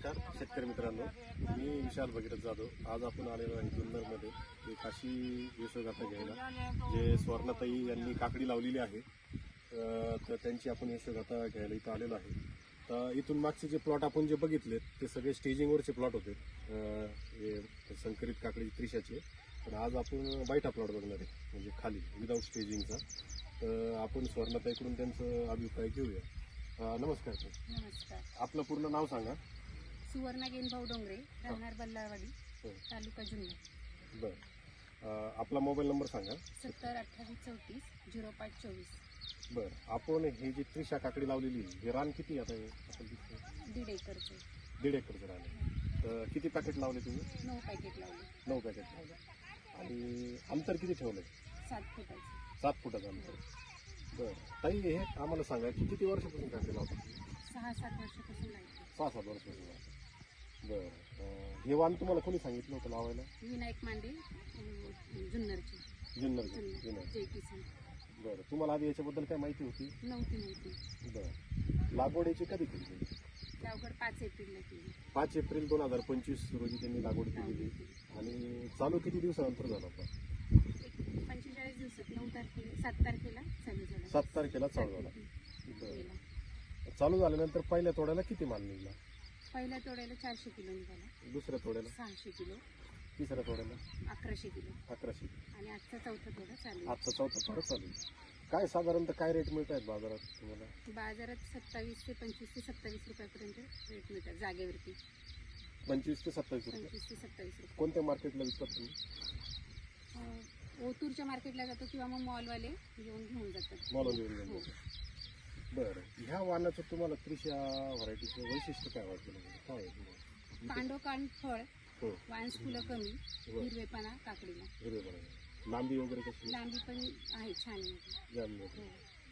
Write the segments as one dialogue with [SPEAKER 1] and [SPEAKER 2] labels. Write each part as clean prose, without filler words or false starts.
[SPEAKER 1] नमस्कार शेतकरी मित्रांनो, मी विशाल भगीरथ जाधव। आज आपण आलेलो आहे जुन्नरमध्ये एक अशी यशोगाथा घ्यायला जे स्वर्णताई यांनी काकडी लावलेली आहे। तर त्यांची आपण यशोगाथा घ्यायला इथं आलेलो आहे। तर इथून मागचे जे प्लॉट आपण जे बघितले ते सगळे स्टेजिंगवरचे प्लॉट होते, हे संकरित काकडी त्रिशाचे। पण आज आपण बायटा प्लॉट बघणार आहे, म्हणजे खाली विदाऊट स्टेजिंगचा। तर आपण स्वर्णताईकडून त्यांचं अभिप्राय घेऊया। नमस्कार सर।
[SPEAKER 2] नमस्कार।
[SPEAKER 1] आपलं पूर्ण नाव सांगा।
[SPEAKER 2] सुवर्णा गेनभाऊ डोंगरे, राहणार बल्लारवाडी, तालुका जुन्नर।
[SPEAKER 1] बरं, आपला मोबाईल नंबर सांगा।
[SPEAKER 2] 70 28 34 05 24।
[SPEAKER 1] बरं, आपण हे जी त्रिशा काकडी लावलेली हे रान किती आता आपण दिसतो?
[SPEAKER 2] 1.5 एकरचं।
[SPEAKER 1] 1.5 एकरचं रान आहे। तर किती पॅकेट लावले तुम्ही?
[SPEAKER 2] 9 पॅकेट लावले।
[SPEAKER 1] 9 पॅकेट लावले। आणि अंतर किती ठेवलंय?
[SPEAKER 2] 7 फुटाचं।
[SPEAKER 1] 7 फुटाचं अंतर। बरं ताई, हे आम्हाला सांगा की किती वर्षापासून काकडी लावतात?
[SPEAKER 2] 6-7 वर्षापासून लावते।
[SPEAKER 1] 6-7 वर्षापासून लावतात। बरं, हे वाण तुम्हाला कोणी सांगितलं होतं लावायला?
[SPEAKER 2] विनायक मांडे, जुन्नरचे।
[SPEAKER 1] जुन्नर
[SPEAKER 2] जय किसन।
[SPEAKER 1] बरं, तुम्हाला आधी याच्याबद्दल काय माहिती होती?
[SPEAKER 2] नव्हती माहिती।
[SPEAKER 1] बरं, लागवड याची कधी केली?
[SPEAKER 2] लागवड 5 एप्रिलला केली।
[SPEAKER 1] 5 एप्रिल 2025 रोजी त्यांनी लागवड केलेली। आणि चालू किती दिवसानंतर झाला होता?
[SPEAKER 2] 45 दिवसात 9 तारखेला 7 तारखेला चालू झाला।
[SPEAKER 1] 7 तारखेला चालू झाला। बरं, चालू झाल्यानंतर पहिल्या तोड्याला किती माल निघाला?
[SPEAKER 2] पहिल्या तोड्याला 400 किलो निघाला।
[SPEAKER 1] दुसऱ्या तोड्याला
[SPEAKER 2] 600 किलो।
[SPEAKER 1] तिसऱ्या तोड्याला
[SPEAKER 2] 1100 किलो।
[SPEAKER 1] 1100।
[SPEAKER 2] आणि आजचा चौथा तोडा चालू आहे।
[SPEAKER 1] आजचा चौथा तोडा चालू आहे। काय साधारणतः काय रेट मिळत आहेत बाजारात तुम्हाला?
[SPEAKER 2] बाजारात 27 ते 25 ते 27 रुपयापर्यंत रेट मिळतात जागेवरती।
[SPEAKER 1] 25 ते 27 रुपये।
[SPEAKER 2] 25 ते 27 रुपये।
[SPEAKER 1] कोणत्या मार्केटला विकतात तुम्ही?
[SPEAKER 2] ओतूरच्या मार्केटला जातो किंवा मग मॉलवाले घेऊन जातात।
[SPEAKER 1] मॉलवाले घेऊन जातात। बरं, ह्या वाणाचं तुम्हाला त्रिशा व्हरायटीचं वैशिष्ट्य काय वाटलं? काय आहे?
[SPEAKER 2] कांडोकांड फळ,
[SPEAKER 1] हो,
[SPEAKER 2] वांस फुलं कमी, हिरवेपणा काकडीला।
[SPEAKER 1] हिरवेपणा, लांबी वगैरे कशी?
[SPEAKER 2] लांबी पण आहे, छान आहे।
[SPEAKER 1] जाम आहे।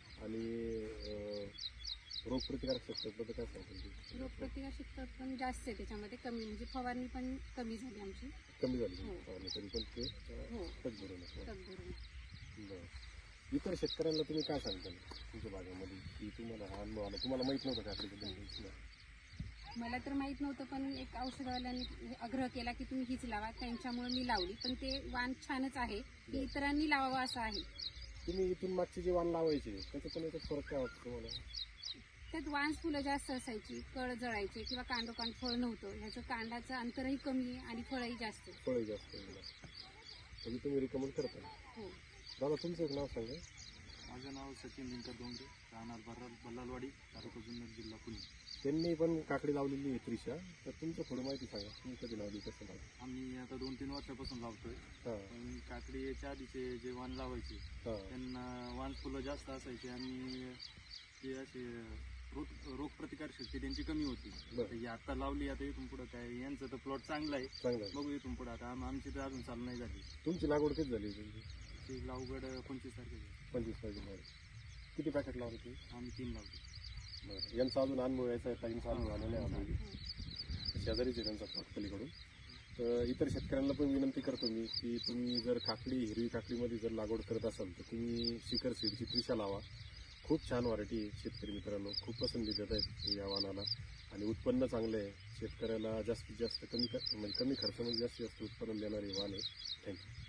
[SPEAKER 1] आणि रोगप्रतिकारक शक्तीबद्दल काय सांगतो?
[SPEAKER 2] रोगप्रतिकार शक्ती पण जास्त आहे त्याच्यामध्ये, कमी म्हणजे फवारणी पण कमी झाली आमची।
[SPEAKER 1] कमी झाली
[SPEAKER 2] हो।
[SPEAKER 1] फवारणी तरी पण ते
[SPEAKER 2] हो,
[SPEAKER 1] तग भरून
[SPEAKER 2] तग भरून।
[SPEAKER 1] बरं, इतर शेतकऱ्यांना तुम्ही काय सांगता तुमच्या भागामध्ये की तुम्हाला हा अनुभव आला? तुम्हाला माहित नव्हतं काकडीबद्दल?
[SPEAKER 2] मला तर माहित नव्हतं, पण एक औषधवाल्यांनी आग्रह केला की तुम्ही हीच लावा, त्यांच्यामुळे मी लावली। पण ते वाण छानच आहे, की इतरांनी लावावं असं आहे।
[SPEAKER 1] तुम्ही इथून मागचे जे वाण लावायचे त्याचं पण याच्यात फरक काय वाटतं तुम्हाला?
[SPEAKER 2] त्यात वांस फुलं जास्त असायची, कळ जळायचे किंवा कांडोकांड फळ नव्हतं। ह्याचं कांडाचं अंतरही कमी आहे आणि फळही जास्त आहे।
[SPEAKER 1] फळही जास्त आहे म्हणजे तुम्ही रिकमेंड करता?
[SPEAKER 2] हो।
[SPEAKER 1] दादा, तुमचं एक नाव सांगा।
[SPEAKER 3] माझं नाव सचिन दिनकर डोंगरे, राहणार बल्लारवाडी, तालुका जुन्नर, जिल्हा पुणे।
[SPEAKER 1] त्यांनी पण काकडी लावलेली आहे त्रिशा, तर तुमचं थोडं माहिती सांगा, तुम्ही कधी लावली, कसं लावली?
[SPEAKER 3] आम्ही आता 2-3 वर्षापासून लावतोय।
[SPEAKER 1] हां
[SPEAKER 3] पण काकडी याच्या आधीचे जे वाण लावायचे
[SPEAKER 1] हां
[SPEAKER 3] त्यांना वाण फुलं जास्त असायची आणि ते असे रोगप्रतिकार शक्ती त्यांची कमी होती।
[SPEAKER 1] बरं.
[SPEAKER 3] ही आता लावली, आता इथून पुढं काय यांचं तर प्लॉट चांगला आहे,
[SPEAKER 1] चांगलं आहे।
[SPEAKER 3] बघू इथून पुढं। आता आमची तर अजून चालू नाही झाली।
[SPEAKER 1] तुमची लागवड किती झाली तुमची?
[SPEAKER 3] ती लावगड 25 तारखेला
[SPEAKER 1] 25 तारखेला। किती पॅकेट लावले तुम्ही?
[SPEAKER 3] आम्ही 3 लावतो।
[SPEAKER 1] बरं, यांचा अजून अनुभव यायचा आहे, ताईंचा अनुभव आलेला आहे आम्हाला, शेजारीच आहे त्यांचा प्लॉट पलीकडून। तर इतर शेतकऱ्यांना पण विनंती करतो मी की तुम्ही जर काकडी, हिरवी काकडीमध्ये जर लागवड करत असाल तर तुम्ही शिखर सीडची त्रिशा लावा। खूप छान व्हरायटी आहे शेतकरी मित्रांनो, खूप पसंती देत आहेत या वाणाला आणि उत्पन्न चांगलं आहे। शेतकऱ्याला जास्तीत जास्त कमी खर्चामध्ये जास्तीत जास्त उत्पन्न देणारे वाण आहे। थँक्यू।